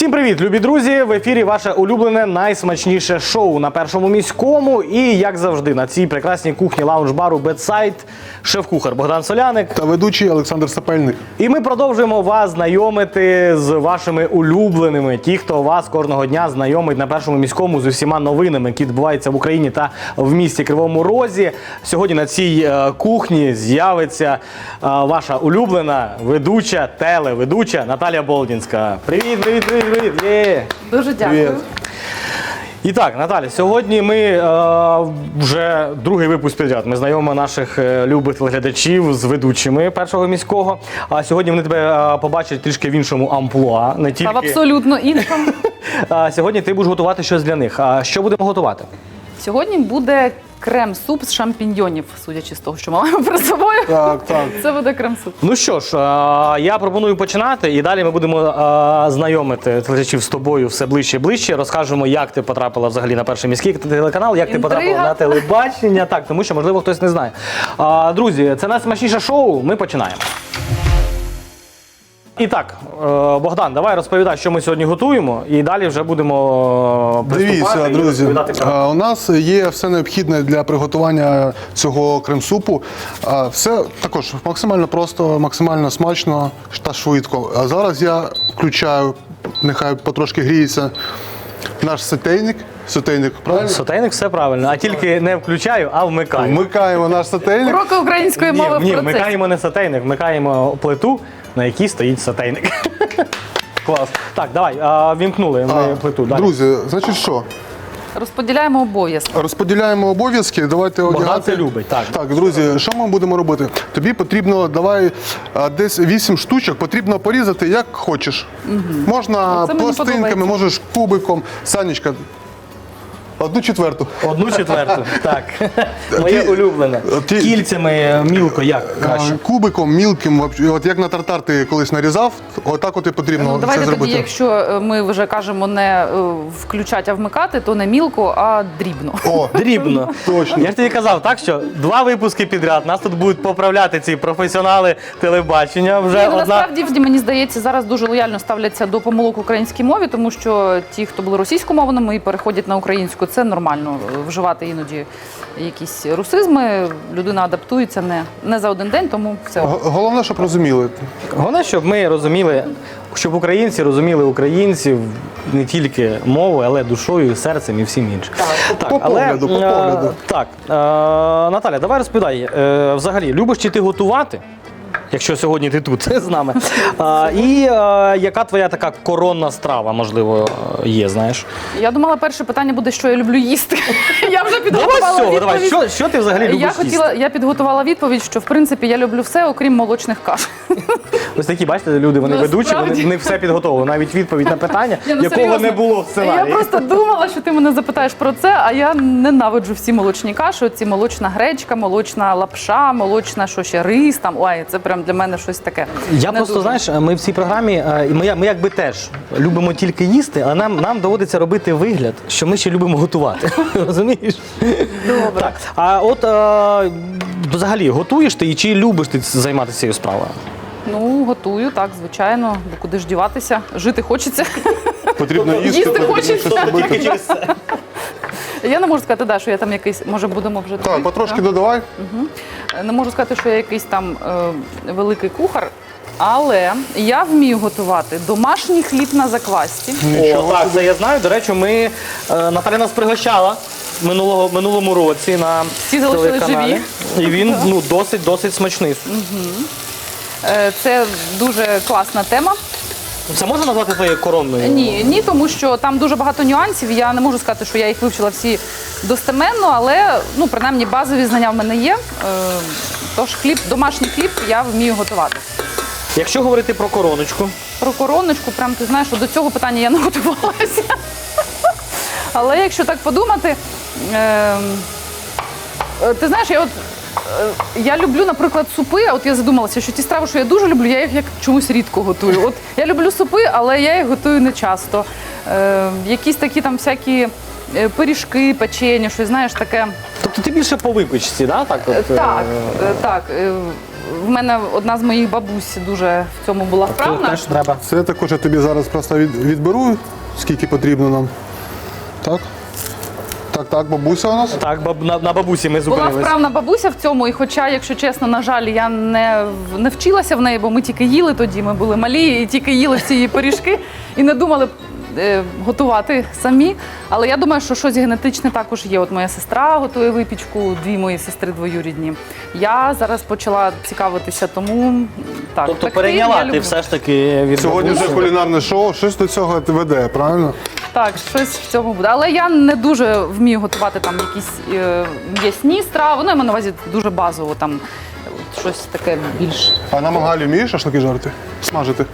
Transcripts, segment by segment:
Всім привіт, любі друзі! В ефірі ваше улюблене найсмачніше шоу на Першому міському. І, як завжди, на цій прекрасній кухні лаунж-бару Бедсайд шеф-кухар Богдан Соляник та ведучий Олександр Сапельник. І ми продовжуємо вас знайомити з вашими улюбленими, ті, хто вас кожного дня знайомить на Першому міському з усіма новинами, які відбуваються в Україні та в місті Кривому Розі. Сьогодні на цій кухні з'явиться ваша улюблена телеведуча Наталія Болдінська. Привіт, привіт, привіт, привіт! Є! Дуже дякую. Привіт. І так, Наталя, сьогодні ми вже другий випуск підряд. Ми знайомимо наших любих телеглядачів з ведучими Першого міського. А сьогодні вони тебе побачать трішки в іншому амплуа. Не тільки... Та в абсолютно іншому. Сьогодні ти будеш готувати щось для них. А що будемо готувати? Сьогодні буде крем-суп з шампіньйонів, судячи з того, що ми маємо перед собою. Так, так. Це буде крем-суп. Ну що ж, я пропоную починати, і далі ми будемо знайомити телеглядачів з тобою все ближче і ближче. Розкажемо, як ти потрапила взагалі на Перший міський телеканал, як ти потрапила на телебачення, так, тому що, можливо, хтось не знає. Друзі, це найсмачніше шоу, ми починаємо. І так, Богдан, давай розповідай, що ми сьогодні готуємо, і далі вже будемо Дивіться, друзі, правила. у нас є все необхідне для приготування цього крем-супу. Все також максимально просто, максимально смачно та швидко. А зараз я включаю, нехай потрошки гріється наш сотейник. Сотейник, правильно? Сотейник, все правильно, а тільки не включаю, а вмикаю. Вмикаємо наш сотейник. Уроки української мови в Ні, процесі. вмикаємо не сотейник, вмикаємо плиту, на якій стоїть сотейник. Клас. Так, давай, вімкнули ми плиту. Далі. Друзі, значить що? Розподіляємо обов'язки. Розподіляємо обов'язки, давайте Богдан одягати. це любить, так. Так, друзі, що ми будемо робити? Тобі потрібно, десь 8 штучок, потрібно порізати як хочеш. Можна Оце мені пластинками, подобається. можеш кубиком. Санечка, 1/4. 1/4, так. Моє улюблене. Кільцями мілко, як краще? Кубиком, мілким, от як на тартар ти колись нарізав, отак от і потрібно Ну, це давайте зробити. тоді, якщо ми вже кажемо не включати, а вмикати, то не мілко, а дрібно. О, Дрібно. точно. Я ж тобі казав, так, що 2 випуски підряд, нас тут будуть поправляти ці професіонали телебачення. Вже Ні, ну, одна... насправді, мені здається, зараз дуже лояльно ставляться до помилок в українській мові, тому що ті, хто були російськомовними і переходять на українську, це нормально вживати іноді якісь русизми. Людина адаптується не за один день, тому все. Головне, щоб розуміли. Головне, щоб ми розуміли, щоб українці розуміли українців не тільки мовою, але душою, серцем і всім іншим. Так, По погляду, по погляду. Так, Наталя, давай розповідай, взагалі, любиш чи ти готувати? Якщо сьогодні ти тут з нами. І яка твоя така коронна страва, можливо, є, знаєш? Я думала, перше питання буде, що я люблю їсти. Я вже Давай підготувала з цього, відповідь. давай. Що ти взагалі любиш їсти? Я підготувала відповідь, що в принципі я люблю все, окрім молочних каш. Ось такі, бачите, люди, вони ведучі, Насправді. вони все підготовили, навіть відповідь на питання, Ні, ну, якого серйозно. не було в сценарії. Я просто думала, що ти мене запитаєш про це, а я ненавиджу всі молочні каші. Ці молочна гречка, молочна лапша, молочна, що ще, рис там. Ой, це прям для мене щось таке. Я Не просто, дуже. знаєш, ми в цій програмі, ми якби теж любимо тільки їсти, але нам доводиться робити вигляд, що ми ще любимо готувати. Розумієш? Добре. Так. А от взагалі готуєш ти і чи любиш ти займатися цією справою? Ну, готую, так, звичайно. Бо куди ж діватися? Жити хочеться. Потрібно їсти, Їсти потрібно хочеться. щось робити. Я не можу сказати, що я там якийсь, може будемо вже Так, потрошки додавай. Не можу сказати, що я якийсь там великий кухар, але я вмію готувати домашній хліб на заквасці. О, так, це я знаю. До речі, Наталя нас пригощала минулому році на Всі залишились телеканалі. І він досить смачний. Це дуже класна тема. Це можна назвати твоєю коронною? Ні, тому що там дуже багато нюансів. Я не можу сказати, що я їх вивчила всі достеменно, але ну, принаймні базові знання в мене є. Тож домашній хліб я вмію готувати. Якщо говорити про короночку. Про короночку, прям ти знаєш, що до цього питання я не готувалася. Але якщо так подумати, ти знаєш, я люблю, наприклад, супи, а от я задумалася, що ті страви, що я дуже люблю, я їх як чомусь рідко готую. От я люблю супи, але я їх готую не часто. Якісь такі там всякі пиріжки, печення, щось, знаєш, таке. Тобто ти більше по випічці, да? Так? Так. в мене одна з моїх бабусь дуже в цьому була вправна. Теж треба. Це також я тобі зараз просто відберу, скільки потрібно нам. Так? Так, бабуся у нас. Так, на бабусі ми Була зупинились. вправна бабуся в цьому, і хоча, якщо чесно, на жаль, я не вчилася в неї, бо ми тільки їли тоді, ми були малі і тільки їли ці її пиріжки і не думали готувати самі. Але я думаю, що щось генетичне також є. От моя сестра готує випічку, дві мої сестри двоюрідні. Я зараз почала цікавитися, тому так. Тобто пекти перейняла я ти люблю. все ж таки від Сьогодні бабусі. вже кулінарне шоу, щось до цього веде, правильно? Так, щось в цьому буде. Але я не дуже вмію готувати там якісь м'ясні страви. Ну, я маю на увазі дуже базово, там щось таке більш. А на мангалі вмієш шашлики жарити? Смажити?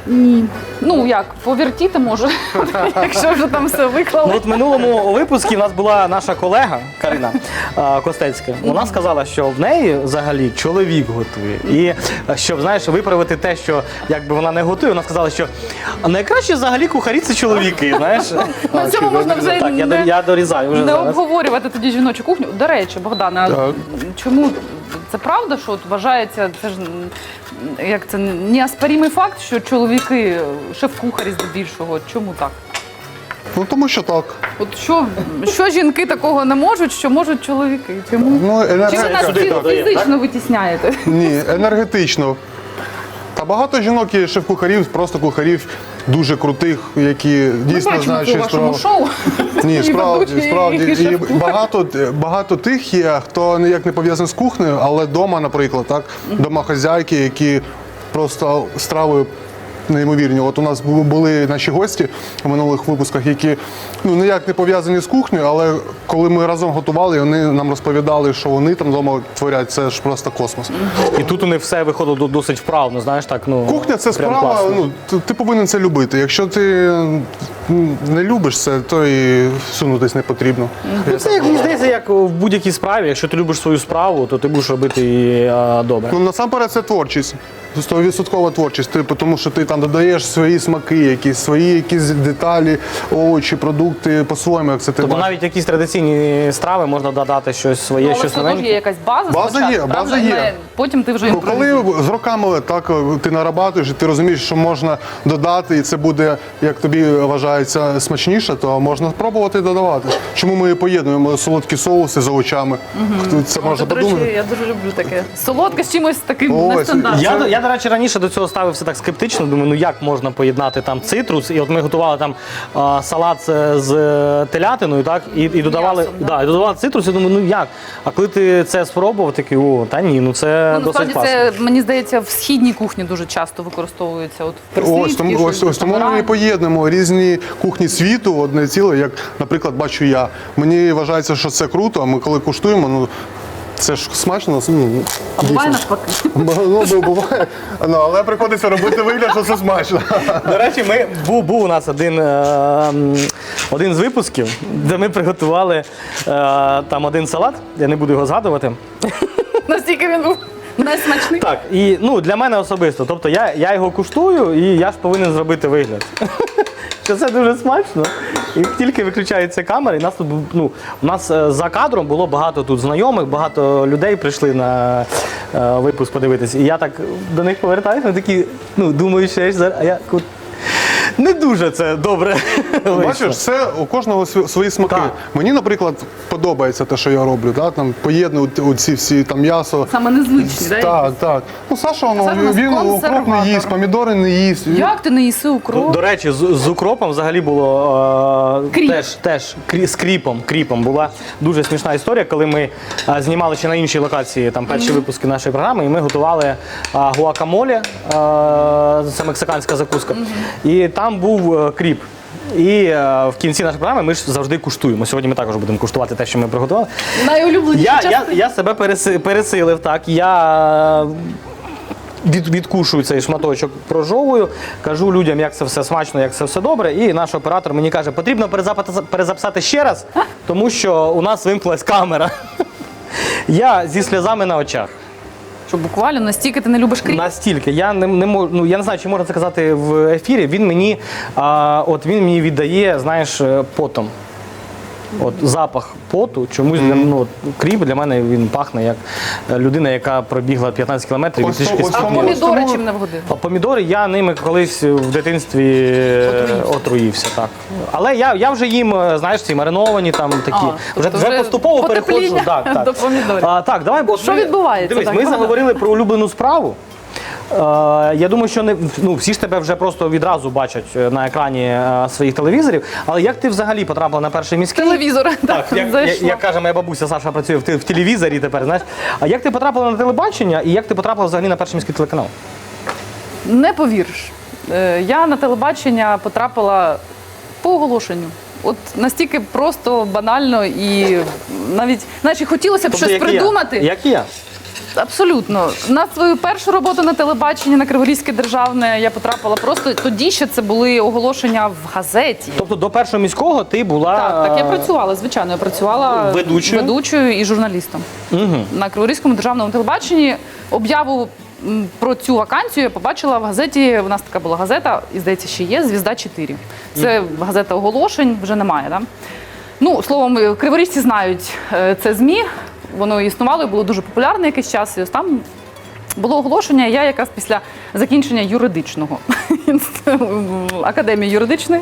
Ну як, повертіти може, якщо вже там все Ну, виклали. от в минулому випуску у нас була наша колега Карина Костецька. Вона сказала, що в неї взагалі чоловік готує. І щоб, знаєш, виправити те, що якби вона не готує, вона сказала, що найкраще взагалі кухарі це чоловіки, знаєш. На цьому можна вже Так, не, я дорізаю вже не зараз. обговорювати тоді жіночу кухню. До речі, Богдане, а Так. чому це правда, що от вважається, це ж як це неоспоримий факт, що чоловіки шеф-кухарі здебільшого. Чому так? Ну тому що так. От що жінки такого не можуть, що можуть чоловіки? Чому? Ну, Чи ви нас енергетично. фізично витісняєте? Ні, енергетично. Та багато жінок є шеф-кухарів, просто кухарів дуже крутих, які дійсно Ми бачимо знають, це у що вашому шоу. Ні, І справді, ведучий, справді. і І шеф-кухар. багато тих є, хто ніяк не пов'язаний з кухнею, але вдома, наприклад, так, домохазяйки, які просто страви неймовірні. От у нас були наші гості в минулих випусках, які ніяк не пов'язані з кухнею, але коли ми разом готували, вони нам розповідали, що вони там вдома творять, це ж просто космос. І тут у них все виходило досить вправно, знаєш, так, ну. Кухня це прям справа, класно. ти повинен це любити. Якщо ти не любиш це, то і сунутись не потрібно. Ну, це, як мені здається, як в будь-якій справі. Якщо ти любиш свою справу, то ти будеш робити її добре. Ну, насамперед це творчість. 100% творчість, тому що ти там додаєш свої смаки, свої якісь деталі, овочі, продукти по-своєму, як це ти Тобто бачиш. навіть якісь традиційні страви можна додати щось своє, Але щось все одно ж є новеньке. якась база База спочатку, є, правда? база є. Потім ти вже Ну, коли імпровізуєш. з роками так ти нарабатуєш, і ти розумієш, що можна додати, і це буде, як тобі вважається, смачніше, то можна спробувати додавати. Чому ми поєднуємо солодкі соуси з овочами? Це можна До речі, подумати. я дуже люблю таке. Солодке з чимось таким Ось, нестандартним. Я, до речі, раніше до цього ставився так скептично. Думаю, ну як можна поєднати там цитрус? І от ми готували там салат з телятиною, так, і додавали, М'ясом, да. і додавали цитрус. Я думаю, ну як? А коли ти це спробував, такий, о, та ні, ну це Ну, досить насправді класно. це, мені здається, в східній кухні дуже часто використовується. От в Ось тому ми і поєднуємо різні кухні світу в одне ціле, як, наприклад, бачу я. Мені вважається, що це круто, а ми коли куштуємо, це ж смачно. А буває навпаки. Буває, але приходиться робити вигляд, що це смачно. До речі, був у нас один з випусків, де ми приготували там один салат, я не буду його згадувати. Настільки він був найсмачний. Так, і для мене особисто. Тобто я його куштую, і я ж повинен зробити вигляд. Що це дуже смачно. І тільки виключається камера, і нас тут у нас за кадром було багато тут знайомих, багато людей прийшли на випуск подивитися. І я так до них повертаюся, вони такі, думаю, що я ж зараз. А я не дуже це добре. Бачиш, це у кожного свої смаки. Так. Мені, наприклад, подобається те, що я роблю. Да? Там поєднують оці всі там м'ясо. Саме незвичні, так? Так, так. Саша, Саша у нас він укроп не консерватор. їсть, помідори не їсть. Як ти не їси укроп? До речі, з укропом взагалі було Кріп. теж з кріпом була дуже смішна історія, коли ми знімали ще на іншій локації там перші випуски нашої програми, і ми готували гуакамоле, це мексиканська закуска, і там був кріп. І в кінці нашої програми ми ж завжди куштуємо. Сьогодні ми також будемо куштувати те, що ми приготували. Найулюбленіша частина. Я себе пересилив, так. Я відкушую цей шматочок, прожовую, кажу людям, як це все смачно, як це все добре. І наш оператор мені каже, потрібно перезаписати ще раз, тому що у нас вимкнулась камера. Я зі сльозами на очах. Що буквально настільки ти не любиш кріп? Настільки. Я не можу, я не знаю, чи можна це казати в ефірі. Він мені віддає, знаєш, потом. От запах поту, чомусь кріп для мене він пахне як людина, яка пробігла 15 кілометрів і Ось трішки то- ось А тому- спітніла. помідори чим не вгодив? А помідори я ними колись в дитинстві отруївся, так. Але я вже їм, знаєш, ці мариновані там такі. тобто Вже поступово переходжу. потепління Так. до помідорів. Так, давай, бо Що відбувається? Дивись, Так, ми правда? заговорили про улюблену справу. Я думаю, що всі ж тебе вже просто відразу бачать на екрані своїх телевізорів. Але як ти взагалі потрапила на перший міський? Телевізор. Так, як каже моя бабуся Саша, працює в телевізорі тепер, знаєш. А як ти потрапила на телебачення і як ти потрапила взагалі на перший міський телеканал? Не повіриш. Я на телебачення потрапила по оголошенню. От настільки просто, банально і навіть, знаєш, і хотілося б щось як і я. придумати. Як і я. Абсолютно. На свою першу роботу на телебаченні, на Криворізьке державне, я потрапила просто, тоді ще це були оголошення в газеті. Тобто до першого міського ти була... Так, я працювала, звичайно, я працювала Ведучою? і журналістом. На Криворізькому державному телебаченні об'яву про цю вакансію я побачила в газеті, у нас така була газета, і, здається, ще є, «Звізда-4». Це газета оголошень, вже немає, да? Ну, словом, криворіжці знають це ЗМІ, воно існувало і було дуже популярне якийсь час, і ось там було оголошення, я якраз після закінчення юридичного, академії юридичної.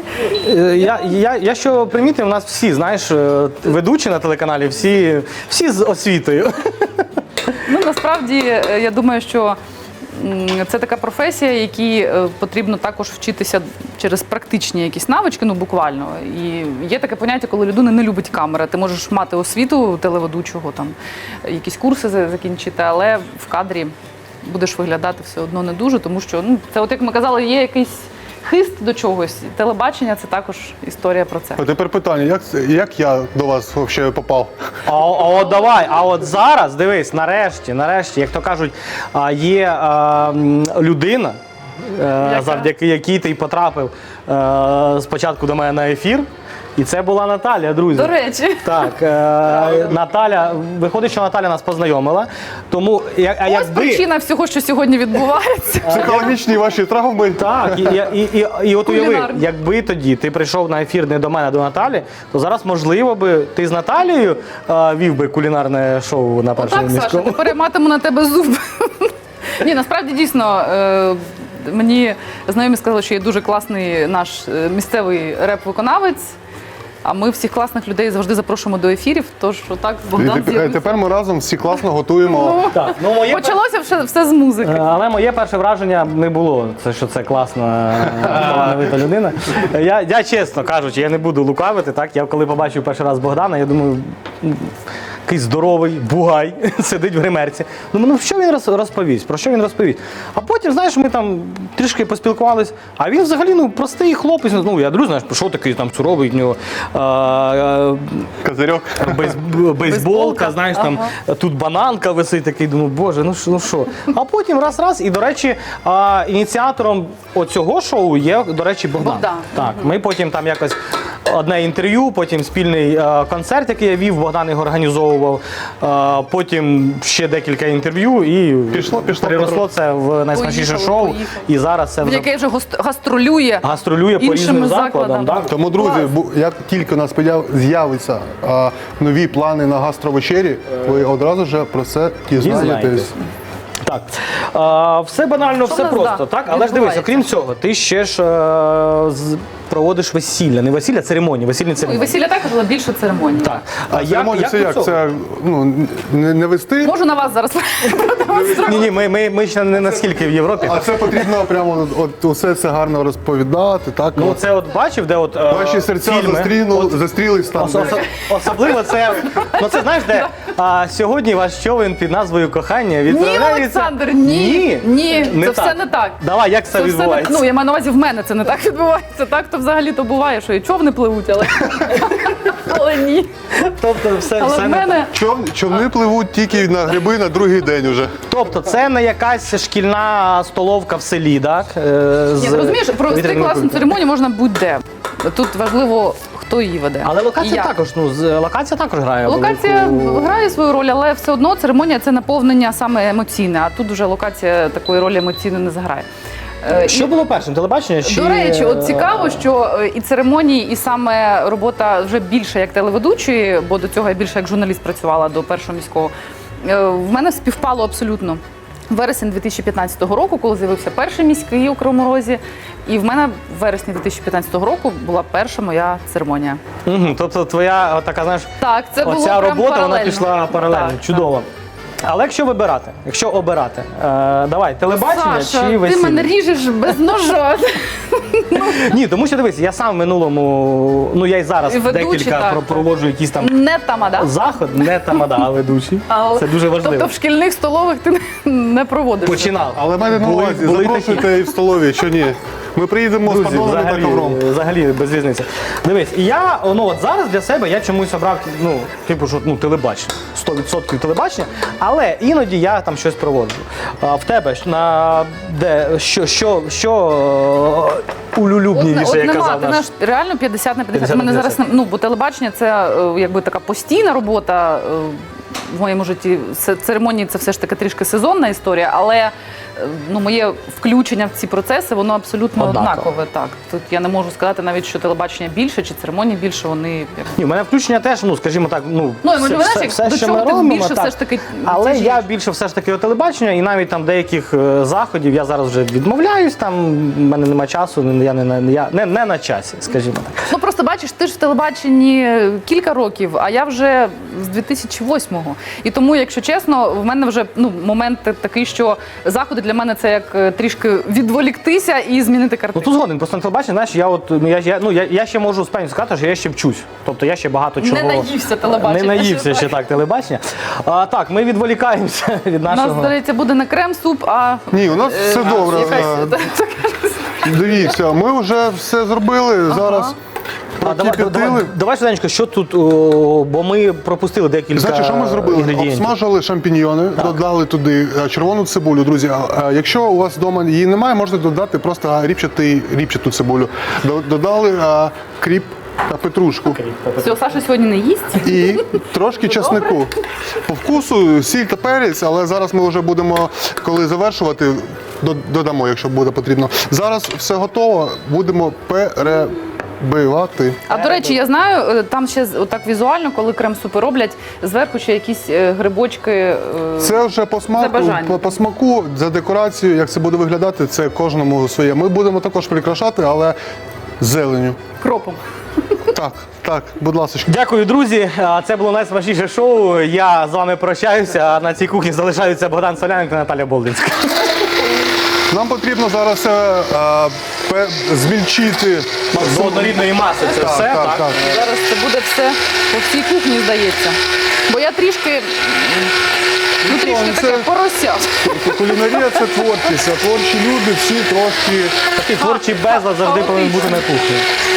Я що примітив, у нас всі, знаєш, ведучі на телеканалі, всі з освітою. Ну, насправді, я думаю, що це така професія, якій потрібно також вчитися через практичні якісь навички, ну буквально. І є таке поняття, коли людина не любить камери. Ти можеш мати освіту телеведучого, там якісь курси закінчити, але в кадрі будеш виглядати все одно не дуже, тому що це, от як ми казали, є якийсь хист до чогось. Телебачення це також історія про це. А тепер питання, як я до вас взагалі попав? А от давай, а от зараз, дивись, нарешті, як то кажуть, є людина, завдяки якій ти потрапив спочатку до мене на ефір. І це була Наталя, друзі. До речі. Так, Наталя, виходить, що Наталя нас познайомила. Тому, Ось причина всього, що сьогодні відбувається. Психологічні ваші травми. Так, і от уяви, Кулінарні. якби тоді ти прийшов на ефір не до мене, а до Наталі, то зараз, можливо, би ти з Наталією вів би кулінарне шоу на першому Так, Саша, міському. тепер я матиму на тебе зуб. Ні, насправді дійсно. Мені знайомі сказали, що є дуже класний наш місцевий реп-виконавець. А ми всіх класних людей завжди запрошуємо до ефірів. Тож отак Богдан І з'явився. тепер ми разом всі класно готуємо. Так, ну, Почалося все з музики. але моє перше враження не було, що це класна, талановита людина. Я чесно кажучи, я не буду лукавити. Так? Я коли побачив перший раз Богдана, я думаю, якийсь здоровий бугай сидить в гримерці. Ну, що він розповість? Про що він розповість? А потім, знаєш, ми там трішки поспілкувались, а він взагалі простий хлопець. Ну, я друзі, знаєш, що такий там суровий, в нього Козирьок. бейсболка, знаєш, там тут бананка висить, такий, думаю, боже, ну що. А потім раз, і, до речі, ініціатором оцього шоу є, до речі, Богдан. Так, ми потім там якось одне інтерв'ю, потім спільний концерт, який я вів, Богдан його організовував, потім ще декілька інтерв'ю і переросло це в найсмачніше шоу. Поїхало. І зараз це вже Яке вже гастролює по іншими різним закладам. закладами. Так? Тому, друзі, як тільки у нас з'являться нові плани на гастровечері, ви одразу ж про це дізнаєтесь. Так, все банально, Що все в нас, просто, да, так? Але ж дивись, відбувається? окрім цього, ти ще ж проводиш весілля, не весілля, церемонії, весільні Ну, і церемонії. весілля також, але більше церемонії. Так. Церемонія це до як? цього? Це не вести, Можу на вас зараз продемонструвати. Ні, ми ще не наскільки в Європі. а це потрібно прямо от усе це гарно розповідати. Так? Ну це от бачив, де от Ваші серця фільми. застрілись там. Особливо це, це знаєш, де сьогодні ваш човен під назвою «Кохання» Ні, відправляється... Олександр, ні, це все не так. Давай, як це Це все не відбувається? ну, я маю на увазі, в мене це не так відбувається. Так то взагалі-то буває, що і човни пливуть, але ні. Тобто все Але в не мене Човни пливуть тільки на гриби на другий день уже. Тобто це не якась шкільна столовка в селі, так? Ні, ти розумієш, провести вітряними класну кульками. церемонію можна будь-де. Тут важливо, хто її веде. Але І локація як. також, локація також грає Локація велику... грає свою роль, але все одно церемонія це наповнення саме емоційне, а тут вже локація такої ролі емоційної не заграє. Що було першим? Телебачення? Чи... До речі, от цікаво, що і церемонії, і саме робота вже більше як телеведучої, бо до цього я більше як журналіст працювала до першого міського, в мене співпало абсолютно. Вересень 2015 року, коли з'явився перший міський у Кривому Розі, і в мене в вересні 2015 року була перша моя церемонія. Угу, тобто твоя така, знаєш, Так, це було оця прям робота, вона паралельно. пішла паралельно. Так, Чудово. Але якщо обирати, давай, телебачення Саша, чи весілля? ти мене ріжеш без ножа. Ні, тому що дивись, я сам в минулому, ну я й зараз І ведучий, декілька так. проводжу якісь там Не тамада. заход, не тамада, а ведучий. Але- Це дуже важливо. Тобто в шкільних столових ти не проводиш. Починав. Але мене на Були- увазі, були запрошуйте і в столові, що ні. Ми приїдемо з Друзі, подолами та ковром. взагалі без різниці. Дивись, і я от зараз для себе я чомусь обрав що телебачення. 100% телебачення, але іноді я там щось проводжу. А в тебе що улюбленіше, як нема, казав ти наш. знаєш, реально 50 на 50. 50 на Мене зараз 50. бо телебачення це якби така постійна робота в моєму житті. Церемонії це все ж таки трішки сезонна історія, але моє включення в ці процеси, воно абсолютно Однаково. однакове. Так, тут я не можу сказати навіть, що телебачення більше чи церемонії більше. Вони Ні, у мене включення теж, скажімо так, до що чого ми ти робимо, більше так. все ж таки Але тяжієш? я більше все ж таки телебачення, і навіть там деяких заходів я зараз вже відмовляюсь, там в мене немає часу, я не на часі, скажімо так. Ну просто бачиш, ти ж в телебаченні кілька років, а я вже з 2008-го. І тому, якщо чесно, в мене вже момент такий, що заходи для мене це як трішки відволіктися і змінити Ну картину. тут згоден, просто на телебаченні, знаєш, я ще можу з певністю сказати, що я ще вчусь. Тобто я ще багато чого... Не наївся телебачення. Не наївся що ще так. так телебачення. Так, ми відволікаємося від У нас, нашого... здається, буде не крем-суп, а Ні, у нас все добре. Дивіться, ми вже все зробили. Зараз прокип'ятили. Давай швиденько, що тут, бо ми пропустили декілька Значить, що ми зробили? інгредієнтів. Обсмажили шампіньйони, додали туди червону цибулю, друзі. Якщо у вас вдома її немає, можна додати просто ріпчату цибулю. Додали кріп та петрушку. все, Саша сьогодні не їсть. І трошки часнику. По вкусу сіль та перець, але зараз ми вже будемо, коли завершувати, додамо, якщо буде потрібно. Зараз все готово, будемо перебивати. А до речі, я знаю, там ще так візуально, коли крем-супи роблять, зверху ще якісь грибочки. Це вже по За смаку, бажанням. по смаку, за декорацію, як це буде виглядати, це кожному своє. Ми будемо також прикрашати, але зеленю. Кропом. Так, будь ласка. Дякую, друзі. Це було найсмачніше шоу. Я з вами прощаюся. А на цій кухні залишаються Богдан Соляненко та Наталя Болдинська. Нам потрібно зараз змільчити. До однорідної маси це все, так? Зараз це буде все по всій кухні, здається. Бо я трішки таке порося. Кулінарія – це творчість, а творчі люди всі трошки... Такий творчий безлад завжди повинен бути на кухні.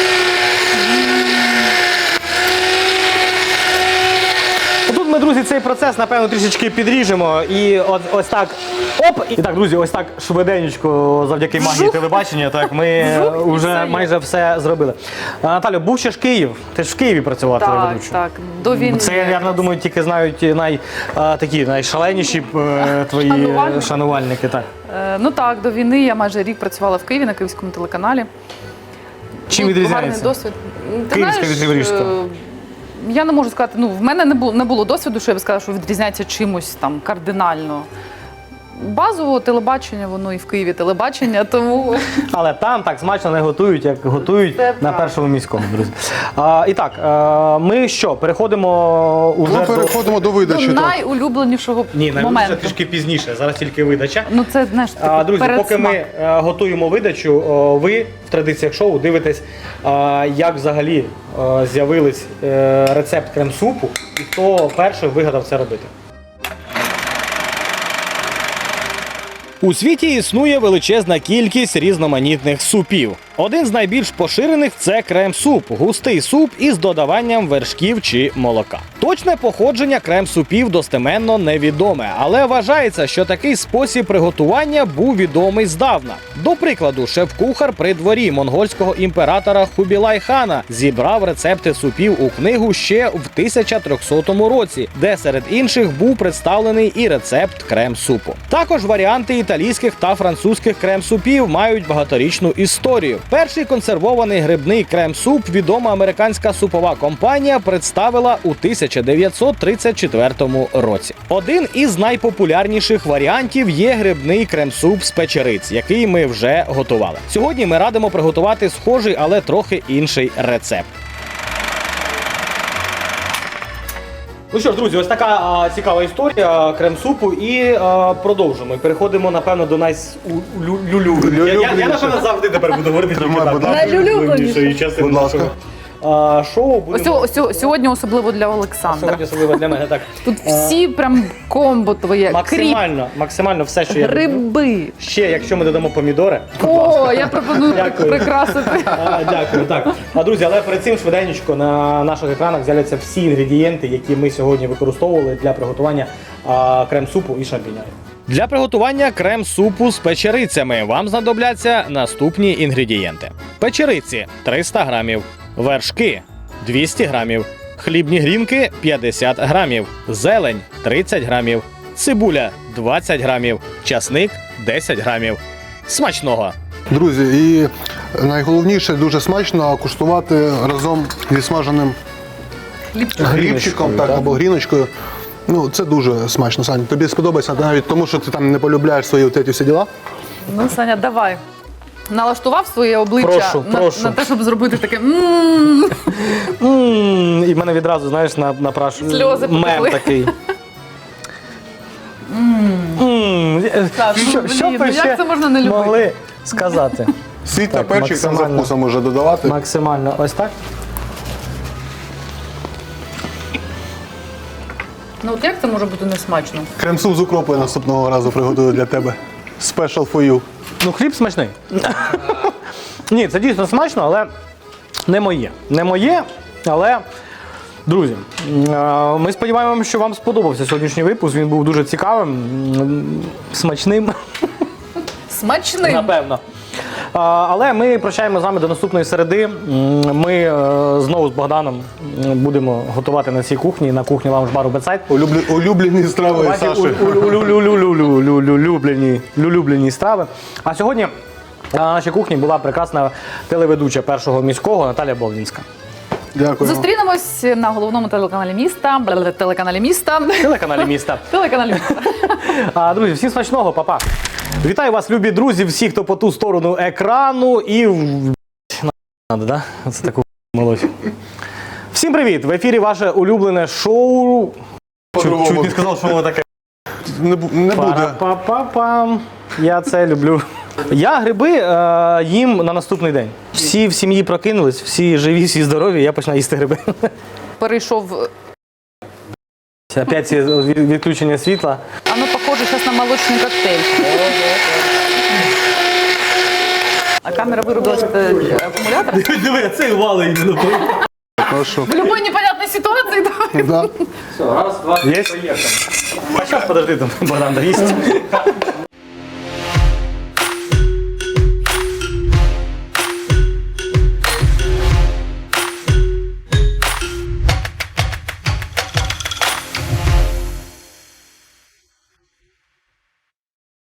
Тут ми, друзі, цей процес, напевно, трішечки підріжемо. І ось так, оп! І так, друзі, ось так швиденечко, завдяки магії телебачення, так, ми вже майже все зробили. Наталю, був ще ж Київ. Ти ж в Києві працювала телеведучою. Так, до війни. Це, я думаю, тільки знають найшаленіші твої шанувальники. Так. Ну так, до війни я майже рік працювала в Києві на Київському телеканалі. Чим Гарний відрізняється? досвід. Ти Київське знаєш, від Криворізького? Я не можу сказати, в мене не було досвіду, що я б сказала, що відрізняється чимось там кардинально. Базово телебачення, воно і в Києві телебачення, тому Але там так смачно не готують, як готують Це на правда. першому міському, друзі. І так, ми що, переходимо уже Ми переходимо до до видачі. так. найулюбленішого Ні, моменту. трішки пізніше, зараз тільки видача. Ну це, знаєш, Друзі, перед поки ми готуємо видачу, ви в традиціях шоу дивитесь, як взагалі з'явились рецепт крем-супу і хто перший вигадав це робити. У світі існує величезна кількість різноманітних супів. Один з найбільш поширених – це крем-суп – густий суп із додаванням вершків чи молока. Точне походження крем-супів достеменно невідоме, але вважається, що такий спосіб приготування був відомий здавна. До прикладу, шеф-кухар при дворі монгольського імператора Хубілай-хана зібрав рецепти супів у книгу ще в 1300 році, де серед інших був представлений і рецепт крем-супу. Також варіанти італійських та французьких крем-супів мають багаторічну історію. Перший консервований грибний крем-суп відома американська супова компанія представила у 1934 році. Один із найпопулярніших варіантів є грибний крем-суп з печериць, який ми вже готували. Сьогодні ми радимо приготувати схожий, але трохи інший рецепт. Ну що ж, друзі, ось така цікава історія крем-супу і продовжуємо. Переходимо, напевно, до найулюбленішої. Я, напевно, завжди тепер буду говорити тільки так. Найулюбленішої частини нашого шоу. Ось сьогодні особливо для Олександра. Сьогодні особливо для мене, так. Тут всі прям комбо твоє. Максимально все, що я люблю. Гриби. Ще, якщо ми додамо помідори. О, я пропоную Дякую. прикрасити. Дякую, так. Друзі, але перед цим швиденько на наших екранах з'являться всі інгредієнти, які ми сьогодні використовували для приготування крем-супу і шампіньонів. Для приготування крем-супу з печерицями вам знадобляться наступні інгредієнти. Печериці – 300 грамів, вершки – 200 грамів, хлібні грінки – 50 грамів, зелень – 30 грамів, цибуля – 20 грамів, часник – 10 грамів. Смачного! Друзі, і найголовніше, дуже смачно куштувати разом зі смаженим грибчиком, так, або гріночкою. Ну, це дуже смачно, Саня. Тобі сподобається навіть тому, що ти там не полюбляєш свої от ці всі діла? Ну, Саня, давай. Налаштував своє обличчя Прошу. на те, щоб зробити таке І в мене відразу, знаєш, напрашує Сльози мем потекли. такий. Так, Що блін, ви як ще це можна не любити? могли сказати? Сіль та Так, перчик там за максимально. вкусом може додавати. Максимально. Ось так? Ну от як це може бути несмачно? Крем-суп з укропою наступного разу приготую для тебе. Special for you. Ну, хліб смачний. Ні, це дійсно смачно, але не моє. Не моє, але, друзі, ми сподіваємося, що вам сподобався сьогоднішній випуск. Він був дуже цікавим, смачним. Смачним. Напевно. Але ми прощаємо з вами до наступної середи. Ми знову з Богданом будемо готувати на цій кухні, на кухні лаунж-бару Бетсайд. Улюблені страви Саші. Улюблені страви. А сьогодні на нашій кухні була прекрасна телеведуча Першого міського Наталія Болдінська. Дякую. Зустрінемось на головному телеканалі міста. Телеканалі міста. Телеканалі міста. Телеканалі міста. Друзі, всім смачного, па-па. Вітаю вас, любі друзі, всі, хто по ту сторону екрану і надо, да? Це таку мелодію. Всім привіт! В ефірі ваше улюблене шоу. Чуть не сказав, що воно таке. Не буде. Пара-па-па-пам. Я це люблю. Я гриби їм на наступний день. Всі в сім'ї прокинулись, всі живі, всі здорові, я починаю їсти гриби. Перейшов. Опять ці відключення світла. Оно похоже зараз на молочний коктейль. А камера вирубила акумулятор? Диви, цей вали іменно. Хорошо. В любой непонятной ситуации давай. Да. Все, раз, два, три, поїхали. А зараз, подожди, там Богдан доїсть.